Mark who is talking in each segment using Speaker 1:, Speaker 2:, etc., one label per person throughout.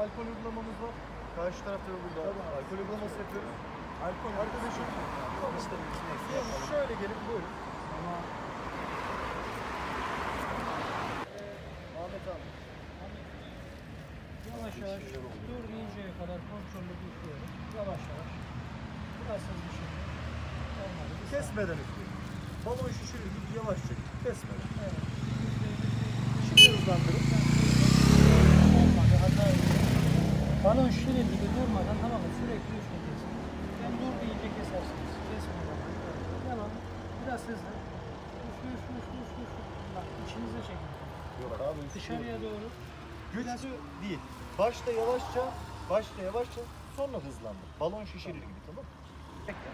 Speaker 1: alkol uygulamamız var. Karşı tarafta da burada alkol uygulaması yapıyoruz.
Speaker 2: Alkol
Speaker 1: Arkadaşım
Speaker 2: işte
Speaker 1: şöyle gelip buyurun. Ahmet abi.
Speaker 3: Yavaş yavaş dur deyinceye kadar kontrollü üflüyorum. Yavaş yavaş. Biraz hızlı şimdi. Olmadı.
Speaker 1: Kesmeden üflüyorum. Balon şişirir gibi yavaşça kesmeden.
Speaker 3: Evet.
Speaker 1: Şimdi hızlandırıp.
Speaker 3: Olmadı. Hata ediyor. Balon şişirir gibi durmadan tamam mı? Sürekli üfleyeceksin. Ben dur deyince kesersiniz. Kesmeden. Devam. Biraz hızlı. Üflü üflü üflü üflü. Bak içinize çekin.
Speaker 1: Yok abi
Speaker 3: Dışarıya doğru.
Speaker 1: güçlü değil. Başta yavaşça sonra hızlandır. Balon şişirir gibi, tamam mı? Bekle.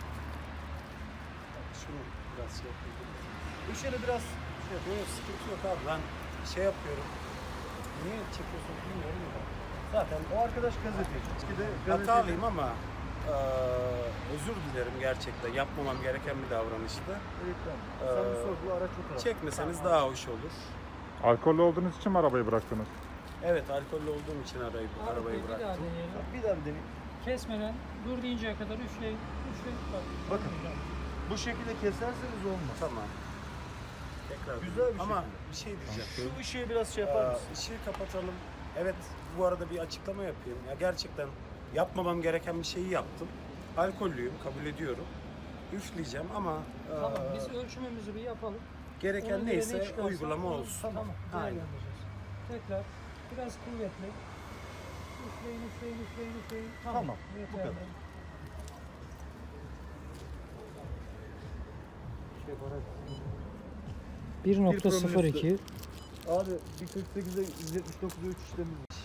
Speaker 2: şunu biraz şey yapayım.
Speaker 1: Işığını biraz
Speaker 2: Yok sıkıntı yok abi, ben şey yapıyorum. Niye çekiyorsun bilmiyorum da.
Speaker 1: zaten o arkadaş gazeteci. İçkide gazeteci.
Speaker 2: Hatalıyım ama özür dilerim gerçekten. Yapmamam gereken bir davranıştı.
Speaker 1: Lütfen. Sen bir sorgula, araç o tarafta.
Speaker 2: Çekmeseniz daha hoş olur.
Speaker 4: Alkollü olduğunuz için mi arabayı bıraktınız?
Speaker 2: Evet, alkollü olduğum için arabayı
Speaker 3: Bir daha
Speaker 2: bıraktım.
Speaker 3: deneyelim.
Speaker 1: Bir daha bir deneyin.
Speaker 3: Kesmeden dur deyinceye kadar üfleyin. Üfleyin. Bak.
Speaker 1: Bakın. Bu şekilde keserseniz olmaz.
Speaker 2: Tamam. Tekrar.
Speaker 1: Güzel bir
Speaker 2: ama
Speaker 1: şekilde.
Speaker 2: bir şey diyeceğim.
Speaker 1: Şu ışığı biraz şey yapar mısın?
Speaker 2: Işığı kapatalım. Evet, bu arada bir açıklama yapayım. Ya gerçekten yapmamam gereken bir şeyi yaptım. Alkollüyüm, kabul ediyorum. Üfleyeceğim ama
Speaker 3: Tamam biz ölçümümüzü bir yapalım. Ona
Speaker 2: gereken
Speaker 3: göre ne
Speaker 2: neyse
Speaker 3: çıkarsa
Speaker 2: uygulama
Speaker 3: onu-
Speaker 2: olsun.
Speaker 3: Tamam.
Speaker 2: Aynen.
Speaker 3: Değerlendireceğiz. Tekrar biraz kuvvetli. Üfleyin, üfleyin, üfleyin, üfleyin.
Speaker 1: Tamam, bu
Speaker 3: Yeterli.
Speaker 1: kadar.
Speaker 3: Bir 1.02
Speaker 1: Abi 1.48'e 179'a 3 işlemimiz var.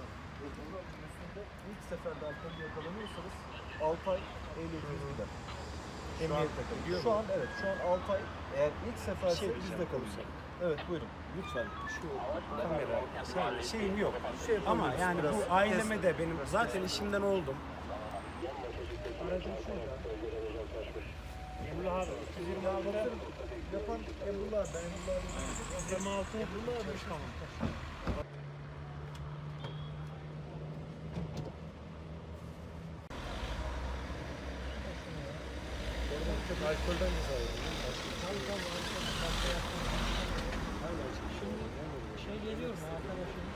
Speaker 1: İlk seferde alkol yakalanıyorsanız 6 ay ehliyetiniz gider. Emniyette kalır. Şu an evet, şu an 6 ay eğer ilk seferse
Speaker 2: Şey
Speaker 1: bizde
Speaker 2: diyeceğim.
Speaker 1: kalırsa. Evet buyurun.
Speaker 2: Lütfen şu kamera şeyim yok.
Speaker 1: Şey
Speaker 2: Ama
Speaker 1: yapabiliriz,
Speaker 2: yani
Speaker 1: biraz
Speaker 2: bu aileme de benim zaten işimden oldum.
Speaker 3: aracın şurada. Emrullah abi 226'da
Speaker 1: Yapan Emrullah, ben Emrullah'ı
Speaker 3: 26
Speaker 1: Emrullah
Speaker 3: tamam.
Speaker 2: Alkolden ceza
Speaker 3: Şimdi şey geliyor mu arkadaşım?